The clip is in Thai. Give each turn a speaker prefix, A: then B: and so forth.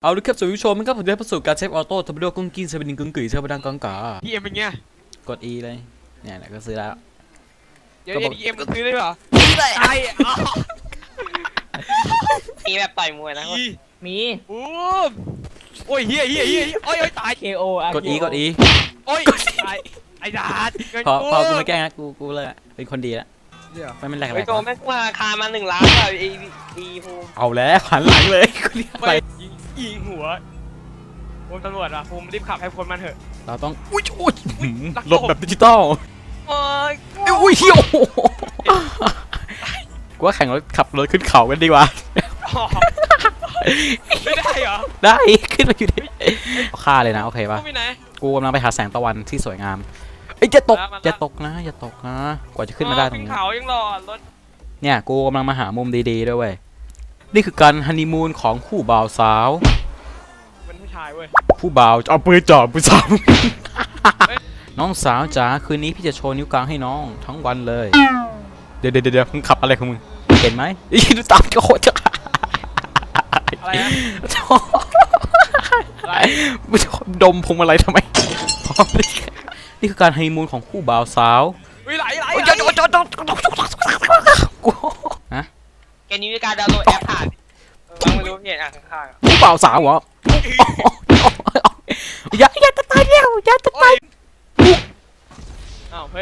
A: เอาละครับสวัสดีผู้ชมนะครับผมได้ประสบการณ์เซฟออโต้ทำไปด้วยกุ้งกิ้งเซเว่นกุ้งกุ๋ยเซเว่นดังกังกา
B: ดีเอ็มเป็นไง
A: กด E เลยเนี่ยแหละก็ซื้อแล้ว
B: เดี๋ยวดีเอ็มก็ซื้อได้เหรอ
A: E เลย
B: ไอ้
C: มีแบบต่อยมวยนะ
B: อี
D: มี
B: บูมโอ้ยเฮียโอ้ยตาย
D: KO อ่ะ
A: กด E กด E
B: โอ้ยตายไอ้ดาดเงิน
A: พอกูไม่แกล้งนะกูเลยเป็นคนดีแล้วไม่เป็นไร
C: ไอ้โจแม่งมาราคามา1 ล้านแบบอีภูมิ
A: เอาแล้วหันหลังเลยกูเรียก
B: ไป
A: อะไร
B: ยิงหัวภูมิตำรวจอ่ะภูมิรีบขับให้พ้นมันเถอะ
A: เราต้องอุ้ยหลบแบบดิจิตอล
C: โอ้ย
A: อุ้ยเฮียกูว่าแข่งรถขับรถขึ้นเขากันดีกว่า
B: ไม่ได้เหรอ
A: ได้ขึ้นมาอยู่ดิฆ่าเลยนะโอเคป่ะ
B: ภูมิไหน
A: กูกำลังไปหาแสงตะวันที่สวยงามเอ้ยอย่าตกอย่าตกนะกว่าจะขึ้นมาได้ตรง
B: ขึ้น
A: นี้
B: เขายังรอรถ
A: เนี่ยกูกำลังมาหามุมดีๆด้วยเว้ยนี่คือการฮันนีมูนของคู่บ่าวสาว
B: เป็นผู้ชายเว้ย
A: ผู้บ่าวจะเอาปืนจ่อผู้สาว น้องสาวจ๋าคืนนี้พี่จะโชว์นิ้วกลางให้น้องทั้งวันเลยเดี๋ยวมึงขับอะไรของมึงเห็นไหมอีดูตามจะโคตรจะ
B: อะไรนะอะไร
A: มึงดมพวงมาลัยทำไม นี่คือการฮันนีมูนของคู่บ่าวสาว
B: ไหล
A: กูฮะ
C: แกนี้มีการดาวน์โหลดแอปผ่านฟังไม่รู้เพจอ่ะข้างๆ
A: คู่บ่าวสาวเหรออย่าจะตายแล้วอย่าจะตาย
B: อ้าวเฮ้ย